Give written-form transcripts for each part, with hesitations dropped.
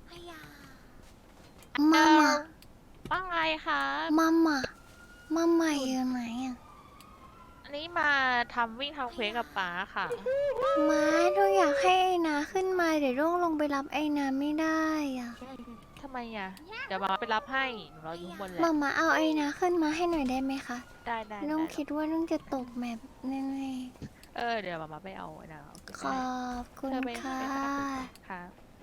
มามาว่าไงคะมามามาใหม่อยู่ไหนอ่ะอันนี้มาวิ่งทำเควสกับป๋าค่ะมาเราอยากให้ไอ้นาขึ้นมาเดี๋ยวร่วงลงไปรับไอ้นาไม่ได้อ่ะทำไมอ่ะ เดี๋ยวมาไปรับให้หนูรออยู่ข้างบนแหละมาเอาไอ้นาขึ้นมาให้หน่อยได้ไหมคะได้น้องคิดว่าน้องจะตกแมปแน่เดี๋ยวมาไปเอาไอ้นะๆขอบคุณเธอไปค่ะค่ะ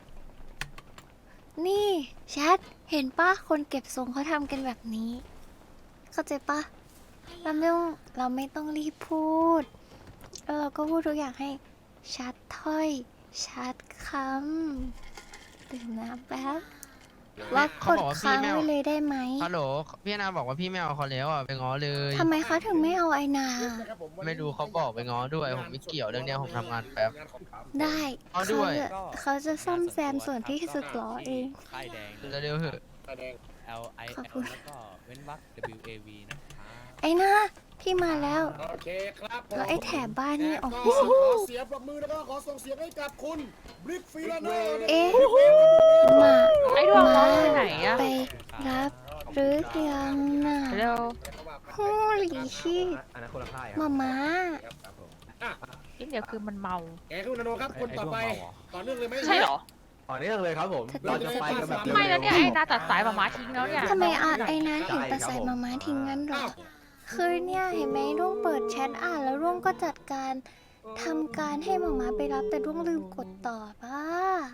นี่แชทเห็นปะคนเก็บทรงเขาทำกันแบบนี้ เข้าใจปะเราไม่ต้องรีบพูดแล้วเราก็พูดทุกอย่างให้ชัดถ้อยชัดคำดื่มน้ำแป๊บว่ากดค้างไว้เลยได้ไหมฮัลโหลพี่นาบอกว่าพี่ไม่เอาเขาแล้วอ่ะไปง้อเลยทำไมเขาถึงไม่เอาไอนาไม่รู้เขาบอกไปง้อด้วยผมไม่เกี่ยวเรื่องเนี้ยผมทำงานแป๊บได้เอาด้วยเขาจะซ่อมแซมส่วนที่สึกหรอเองค่ายแดงเร็วๆเถอะ L I ขอบ L คุณแล้วก็เว้นวรรค W A V นะครับไอนาพี่มาแล้วโอเคครับผมแล้วไอแถบบ้านนี่ออกไปก็สิขอเสียงปรบมือแล้วก็ขอส่งเสียงให้กับคุณบริกฟิลาโน่เอ๊ะมาไอ้ดวงน้องไปไหนอะไปรับหรือยังน่ะเร็วฮูหลีชีมานี่เดี๋ยวคือมันเมาแกคุณนาโนครับคนต่อไปต่อเนื่องเลยไหมใช่เหรอต่อเนื่องเลยครับผม เราจะไปกันแบบไม่แล้วเนี่ยไอ้นาตัดสายมาทิ้งแล้วเนี่ยทำไมไอ้นาถึงตัดสายมาทิ้งงั้นหรอ คือเนี่ยเห็นไหมร่วงเปิดแชทอ่านแล้วร่วงก็จัดการทำการให้มาไปรับแต่ร่วงลืมกดต่อป่ะ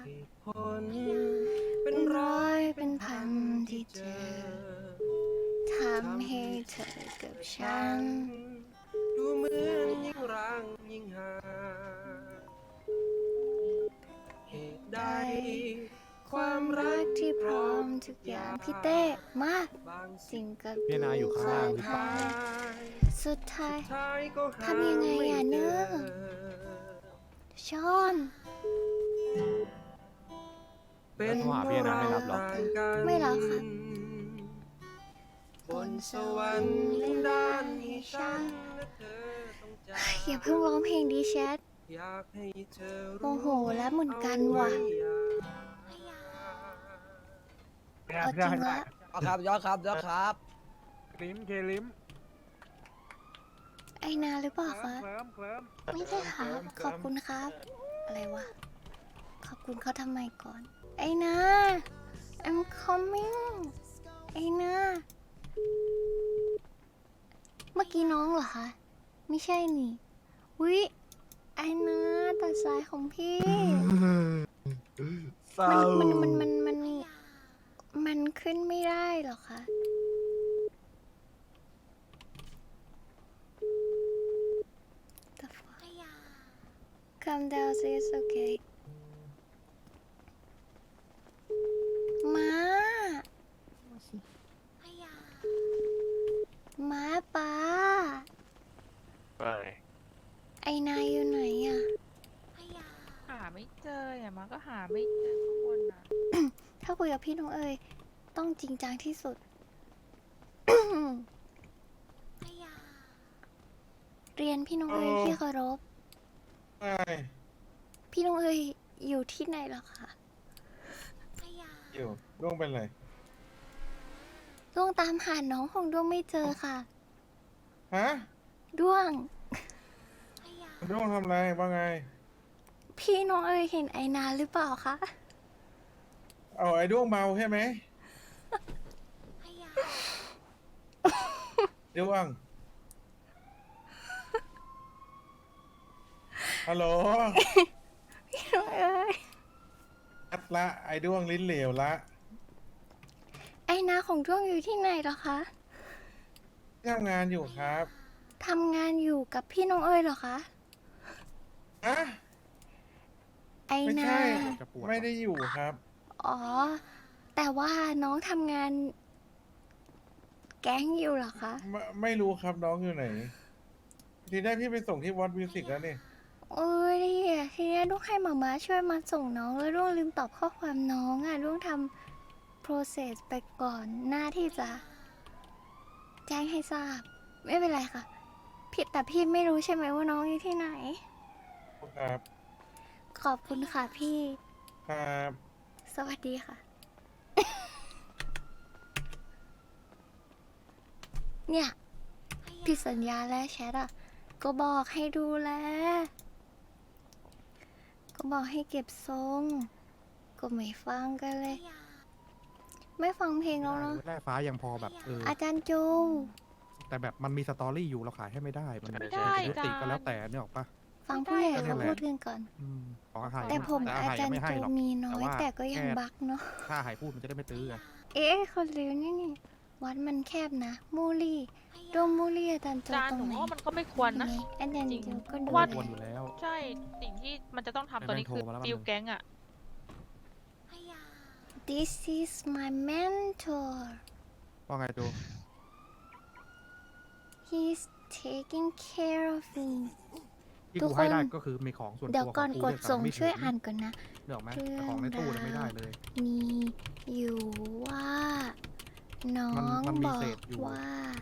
เป็นร้อยเป็นพันที่เจอทำให้เธอกับฉันดูเหมือนยิ่งรังยิ่งห่างเหตุใดความรักที่พร้อมทุกอย่างพี่เต้มาบางสิ่งกับพี่นาอยู่ข้างล่างหรือเปล่าสุดท้ายท้ายก็หาทำยังไงอ่ะเนอะ ชอนเป็นเพราะเราต่างกันไม่รับค่ะบนสวรรค์ด้านที่ฉันและเธอต้องจากอย่าเพิ่งร้องเพลงดีแชทอยากให้เธอโอ้โหแล้วเหมือนกันว่ะ เอาจริงละครับยอดครับยอดครับลิมเคลิมไอนาหรือเปล่าคะเคลิ้มไม่ใช่ค่ะขอบคุณครับ อะไรวะ ขอบคุณเขาทำไมก่อน ไอนา I'm coming ไอนา เมื่อกี้น้องเหรอคะ ไม่ใช่นี่วิไอนาตัดสายของพี่ มันขึ้นไม่ได้เหรอคะ The fuck Calm down sis it's okay ม้าป้า ไอนายอยู่ไหนอะหาไม่เจออย่างมาก็หาไม่เจอข้างบนนะถ้าคุยกับพี่น้องเอ๋ยต้องจริงจังที่สุด เรียนพี่น้องเอ๋ยที่เคารพ พี่น้องเอ๋ยอยู่ที่ไหนเหรอคะอยู่ร่วงเป็นไรดวงตามหาน้องของดวงไม่เจอค่ะฮะดวงร่วงทำไรว่าไงพี่น้องเอ๋ยเห็นไอนาหรือเปล่าคะเอาไอ้ด้วงเมาใช่ไหมด้วง ฮัลโหลพี่น้องเอ๋ยอัดละไอ้ด้วงลิ้นเหลวละไอนาของดวงอยู่ที่ไหนเหรอคะทำงานอยู่ครับทำงานอยู่กับพี่น้องเอ๋ยเหรอคะฮะไอไม่นาใช่ไม่ได้อยู่ครับอ๋อ แต่ว่าน้องทำงาน แก๊งอยู่เหรอคะไม่รู้ครับน้องอยู่ไหน ทีแรกพี่ไปส่งที่วอตมิวสิกแล้วนี่เอ้ยทีนี้ลูกให้มาม่าช่วยมาส่งน้องแล้วลูกลืมตอบข้อความน้องอ่ะลูกทำ process ไปก่อนหน้าที่จะแจ้งให้ทราบ ไม่เป็นไรค่ะพี่แต่พี่ไม่รู้ใช่ไหมว่าน้องอยู่ที่ไหนครับขอบคุณค่ะพี่ครับสวัสดีค่ะ เนี่ยพี่สัญญาแล้วแชทอ่ะ ก็บอกให้ดูแล ก็บอกให้เก็บทรง ก็ไม่ฟังกันเลย ไม่ฟังเพลงแล้วเนาะแร่ฟ้ายังพอแบบอาจารย์โจแต่แบบมันมีสตอรี่อยู่เราขายให้ไม่ได้มันไม่ได้ยุติก็แล้วแต่เนี่ยหรอกปะฟังผู้ใหญ่ไม่ได้เขาแหละพูดกันก่อนของอาหารแต่ผมอาอาหารจายัรงไม่ย์ให้โจหรอกมีน้อยแต่ว่าแต่ก็ยังแค่บักเนาะถ้าหายพูดมันจะได้ไม่ตื้อไงเอ๊ะคนเร็วนี่นี่วัดมันแคบนะ มูลี่ดวงมูลี่อาจารย์โจจานตรหนูงไหนว่ามันก็ไม่ควรนะไหอาจารย์จริงโจก็ดูว่าแลควรอยู่แล้วใช่สิ่งที่มันจะต้องทำตอนนี้คือแม่งโทรมาแล้วฟิลแก๊งอะ This is my mentor ว่าไงจู He's taking care of me ที่ทุกกูให้ได้คนก็คือมีของส่วนตัวเดี๋ยวก่อนขกงดส่งไม่ช่วยถึอ่านก่อนนะเดี๋ยวไหมแต่ของในตู้เนี่ยไม่ได้เลยมีอยู่ว่า น้องมันมีบอกเศษอยู่ว่า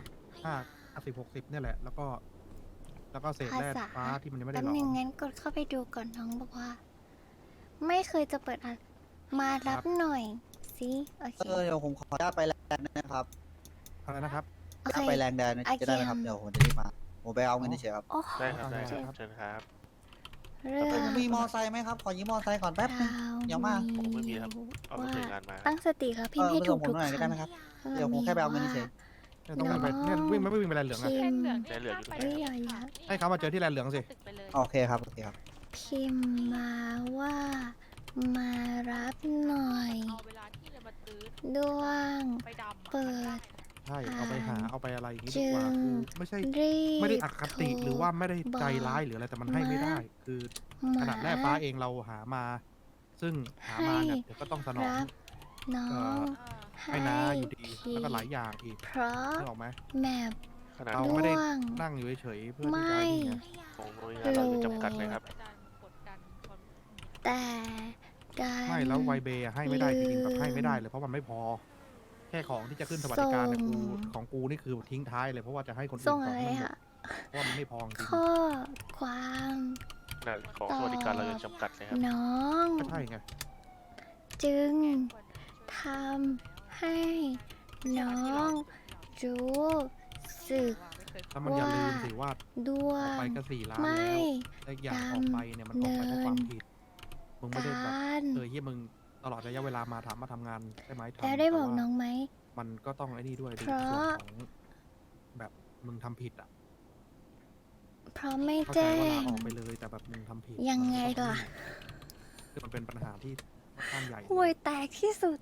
50-60เนี่ยแหละ แล้วก็เศษแร่ภาษาฟ้าที่มันยังไม่ได้แป๊บหลอนึงมงั้นกดเข้าไปดูก่อนน้องบอกว่า ไม่เคยจะเปิดอ่านมารับหน่อยสิโอเคเดี๋ยวผมขออนุญาตไปแลนด์นะครับอะไรนะครับโอเคไปแลนด์แดนโอเคจะได้ไหมครับ เดี๋ยวผมจะรีบมา ผมไปเอาเงินเฉยๆครับโอ้ได้ครับได้ครับได้ครับเชิญครับเรื่องมีมอไซค์ไหมครับ ขอยืมมอไซค์ก่อนแป๊บนึงราวเดี๋ยวมาผมไม่มีครับ เอารถว่าถึงงานมาตั้งสติครับพิมพ์ให้ไปถูส่กงผมทุกหน่อยคได้ไหมครับำเดี๋ยวผมแค่ไปเอาเงินเฉยเนี่ยต้องไปเนี่ยวิ่งไม่วิ่งไปแลนด์เหลืองอะพิแค่มพ์เหลืองใจเหลืองอยู่ไปเอ้ยอย่าอย่าให้เขามาเจอที่แลนด์เหลืองสิตึกไปเลยโอเคครับ โอเคครับพิมพ์มาว่ามารับหน่อยเอาเวลาที่จะมาตื้อด้วงไปดำอะเปิดใช่เอาไปหาเอาไปอะไรอย่างนี้จึดีกว่างคือไม่ใช่รีบไม่ได้อคติโทหรือว่าไม่ได้ใจบอกร้ายหรืออะไรแต่มันให้ไม่ได้ คือขนาดแร่ฟ้าเองเราหามา ซึ่งหามาเนี่ยเดี๋ยวก็ต้องสนองรับน้อเอ่งอ ให้น้าอยู่ดีพิมพ์แล้วก็หลายอย่างอีกเพราะนึกออกไหมแมพขนาดเราของไม่ได้ด้วงนั่งอยู่เฉยๆเพื่อที่ไม่จะนี่ไงหน่วยงานเราจะจำกัดเลยครับอาจารย์กดดันคนแต่ดันไม่แล้วไวเบย์อะให้ไม่ได้จริงๆแบบให้ไม่ได้เลยเพราะมันไม่พอ แค่ของที่จะขึ้นสวัสดิการเนี่ยส่งของกูนี่คือทิ้งท้ายเลยเพราะว่าจะให้คนอื่นส่งก่อนอะไรให้มันหมอะดเพราะว่ามันไม่พอจริงข้อความขนาดของสวัสดิการเราจะจำกัดเลยครับน้องก็ใช่ไงจึงควรทำให้น้องรู้สึกแล้วมันอย่าลืมสิว่าด้วออกงไปก็4 ล้านไม่แล้วและอย่างออกไปเนี่ยมันออกไปเพราะความผิดมึงไม่ได้แบบการเฮียมึงตลอดระยะเวลามาทำงานใช่ไหมทำแล้วได้บอกต่ว่าน้องไหมมันก็ต้องไอ้นี่ด้วยในเพราะส่วนของแบบมึงทำผิดอ่ะเพราะไม่เข้าใจแจ้ว่าลาง ออกไปเลยแต่แบบมึงทำผิดยังไงล่ะคือมันเป็นปัญหาที่ค่อนข้างใหญ่ห่วยแตกที่สุด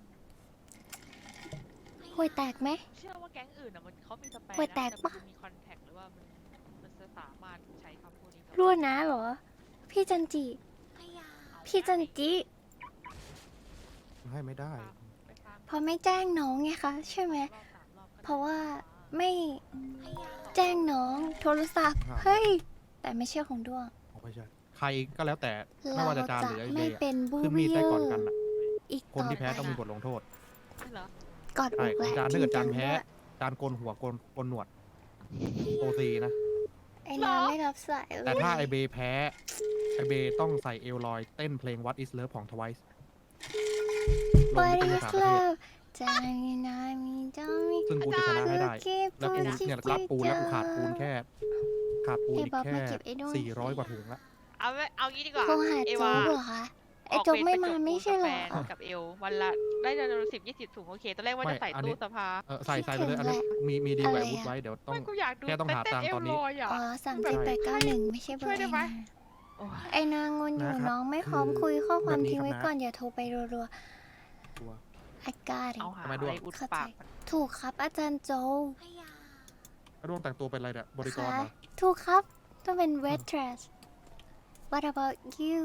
ห่วยแตกไหมเชื่อว่าแก๊งอื่นอะมันเขามีสเปรย์หัวแตกนะปะมันมีคอนแทคหรือว่ามันจะสามารถใช้คำพูดนี้กับรั่วนะเหรอ พี่จันจิ พี่จันจิให้ไม่ได้ไปฟังเพราะไม่แจ้งน้องไงคะใช่ไหมรอบสามรอบก็เพราะว่าไม่แจ้งน้องโทรศัพท์ครับเฮ้ย แต่ไม่ใช่ของด้วงไม่ใช่ใครก็แล้วแต่ไม่เราว่าจะจานจะหรือไอไม่เดียเป็นบูคือมีดได้ก่อนกันอะอีกคนที่แพ้ไปต้องมีบทลงโทษเหรอกอดอใช่กขแหองละจานถ้าเกิดจานริงๆแพ้ด้วยจานโกนหัวโกนหนวดโอซีนะไอ้น้ำไม่รับสายเลยแต่ถ้าไอเบแพ้ไอเบต้องใส่เอลลอยเต้นเพลง What is Love ของ Twice ลง What นิตย is สารประเทศ love ใจนามีจามีซึ่งกูจะชนะให้ได้ แล้วกูคิดเนี่ยรับปูนแล้วกูขาดปูนแค่ ขาดปูนอีกไอ้บ๊อบแค่มาเก็บไอ้ด้วย 400 กว่าถุงละเอางี้ดีกว่าโทรหาเอโจ๊วากเหรอคะ ไอ้โจ๊กไม่มาไม่ใช่เหรอกาแฟกับเอลวันละได้จำนวน10-20 ถุงโอเคตอนแรกว่าจะใส่ตู้สภาใส่ไปเลยอันนี้มีดีกว่าอาวุธไว้เดี๋ยวต้องไม่กูอยากดูแค่ต้องหาเต้นตังค์เอตลอนนี้ลอยอ่ะอ๋อ3789ไม่ใช่เบอช่วยร์ได้ไหม โอ้ยไอ้นางงนอยู่นะครับน้องไม่พร้อมคุยข้อความแบบนี้ทิ้งไว้ครับนะก่อนอย่าโทรไปรัวตัวๆ I got it เอาหาทำไมอะด้วไรยอุดเข้าใจปากถูกครับอาจารย์โจแล้วดวงแต่งตัวเป็นอะไรเนี่ยบริกรคะเหรอถูกครับ ต้องเป็น waitress What about you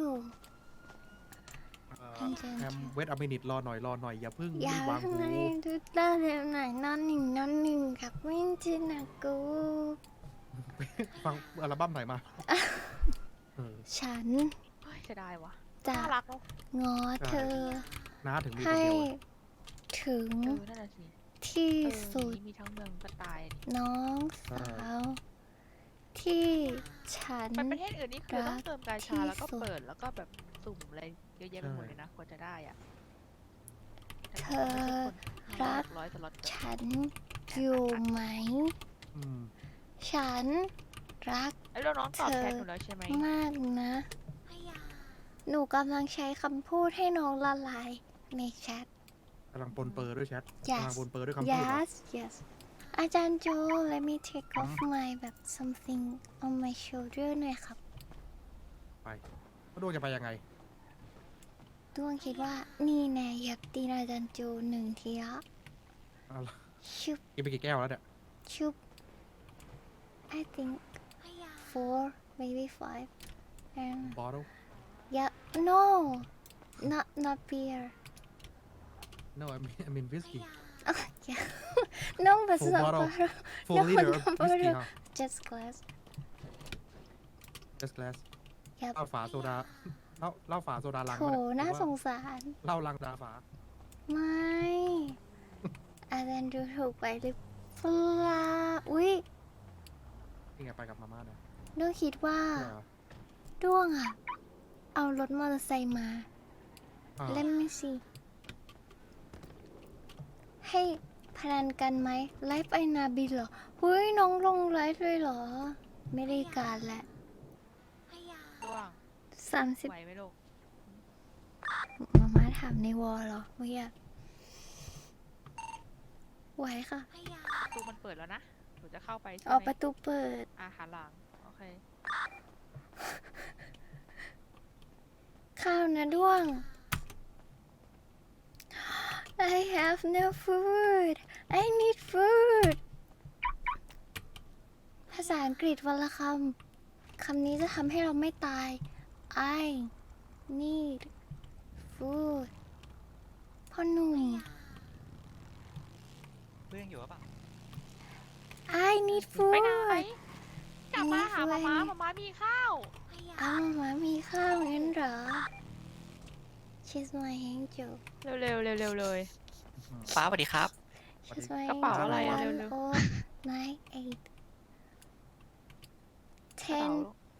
แฮมเวทอเมนิตรอหน่อยอย่าเพิ่งอย่ารีบวางทำหูไมดูด้านไหนนอนหนึ่งกับวินจินากูฟังอัลบั้มไหนมาเออฉันเฮ้ยจะได้วะจะน่ารักเนาะง้อเธอน้าถึงมีคนให้เดียวเลยถึงนั่นน่ะสิที่เออสุดมีทั้งเมืองก็ตายดิน้องสาวที่ฉันไปประเทศอื่นนี่คือต้องเติมกาชาแล้วก็ที่สุดเปิดแล้วก็แบบสุ่มอะไรเยอะแยะไปหมดเลยนะกว่าจะได้อ่ะธอรักร้อยสล็อตฉันอยู่ไหมอืมฉันรักไอ้เราน้องตอบแชทหนูแล้วใช่ไหมมากนะ หนูกำลังใช้คำพูดให้น้องละลายในแชทกำลังปนเปอร์ด้วยแชท Yes กำลังปนเปอร์ด้วยคำพูดเหรอ yes yes อาจารย์โจ let me take off my แบบ something on my shoulder หน่อยครับไปแล้วดวงจะไปยังไงดวงคิดว่านี่แน่อยากตีนอาจารย์โจ1 ทีละเอาล่ะชุบกินไปกี่แก้วแล้วเนี่ยชุบ I think 4 maybe 5 and บอท yeah no not beer no I mean whiskey oh yeah no but Full not bottle. bottle full No, liter of no, whiskey no. ฮะ just glass just glass Yep เหล้าฝาโซดาเหล้าฝาโซดาลังโถวะเยน่าหรือสว่งสารเหล้าลังดาฝาไม่ อาจารย์ดูถูกไปหรือเปล่าอุ๊ยนี่ไงไปกับมาม่าเนี่ยด้วงคิดว่าเนี่ยเหรอด้วงอะเอารถมอเตอร์ไซค์มาอ่าเล่นไม่สิให้พนันกันไหมไลฟ์ไอนาบิลเหรอหุ้ยน้องลงไลฟ์เลยเหรอ ไม่ได้การแหละร่วง 30 ไหวไหมลูกมาม่าถามในวอลเหรอเมื่อกี้ไหวค่ะประตูมันเปิดแล้วนะหนูจะเข้าไปใช่ออกไหปมระตูเปิดหันหลังโอเคข้าวนะด้วง I have no food I need food ภาษาอังกฤษวันละคำ คำนี้จะทำให้เราไม่ตาย I need food พ่อหนุ่มเพื่อนอยู่หรือเปล่า I need ไปไหน food กลับมาหาไม่มาช่วยม่ามีข้าวอ้าวหมามีข้าวงั้นเหรอ She's my angel เร็วๆเร็วๆเลยฟ้าสวัสดีครับ She's my กระเป๋าอะไรอะ angel เร็ว 1 9 8 10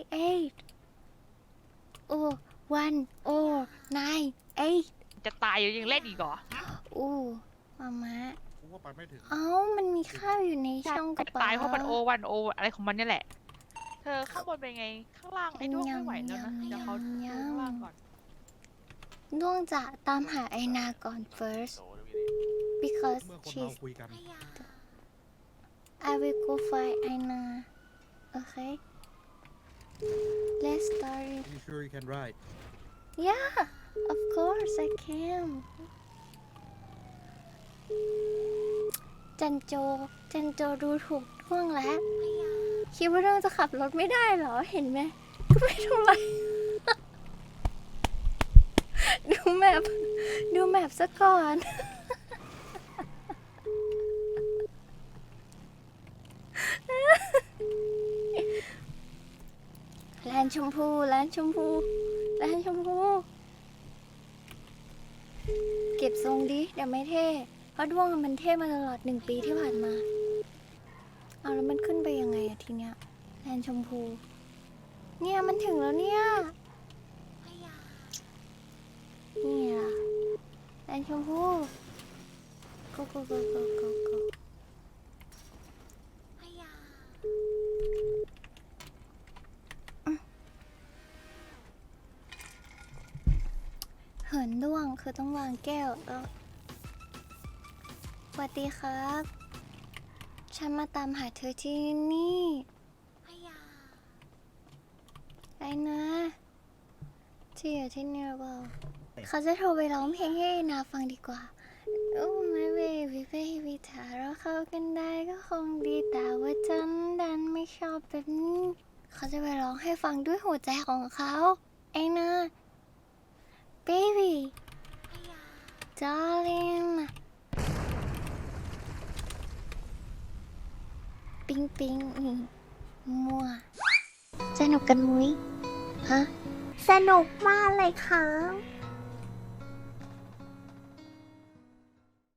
98 oh 1 oh 9 8 จะตายอยู่ยังเล่นอีกเหรออู้มาม่ากูว่าไปไม่ถึงเอ้ามันมีข้าวอยู่ในช่องกระเป๋าตายเพราะมันโอวันโออะไรของมันเนี่ยแหละ เธอข้างบนเป็นไง ข้างล่างไอ้ด้วงไม่ไหวแล้วนะ เดี๋ยวเขาดูข้างล่างก่อนด้วงจะตามหาไอนาก่อน first because เมื่อคนเรา she's คุยกัน I will go find Aina okay let's start it you sure you can ride yeah of course I can จันโจดูถูกด้วงแล้วคิดว่าด้วงจะขับรถไม่ได้เหรอเห็นไหมก็ไม่เท่าไหร่ ดูแมพซะก่อน แลนชมพูเก็บทรงดิเดี๋ยวไม่เท่เพราะด้วงมันเท่มาตลอด1 ปีที่ผ่านมาเอาแล้วมันขึ้นไปยังไงอะทีเนี้ยแลนชมพูเนี่ยมันถึงแล้วเนี่ยนี่ล่ะแลนชมพู go go go go go go เหินด้วงคือต้องวางแก้วแล้วสวัสดีครับ ฉันมาตามหาเธอที่นี่ไอ้นะที่อยู่ที่นี่หรือเปล่าเขาจะโทรไปร้องเพลงให้ไอ้นาฟังดีกว่า Oh my baby baby ถ้าเราเข้ากันได้ก็คงดีแต่ว่าฉันดันไม่ชอบแบบนี้เขาจะไปร้องให้ฟังด้วยหัวใจของเขาไอ้นะ baby darling ปิ๊งปิ๊งนี่มัวสนุกกันมุ้ยฮะสนุกมากเลยค่ะ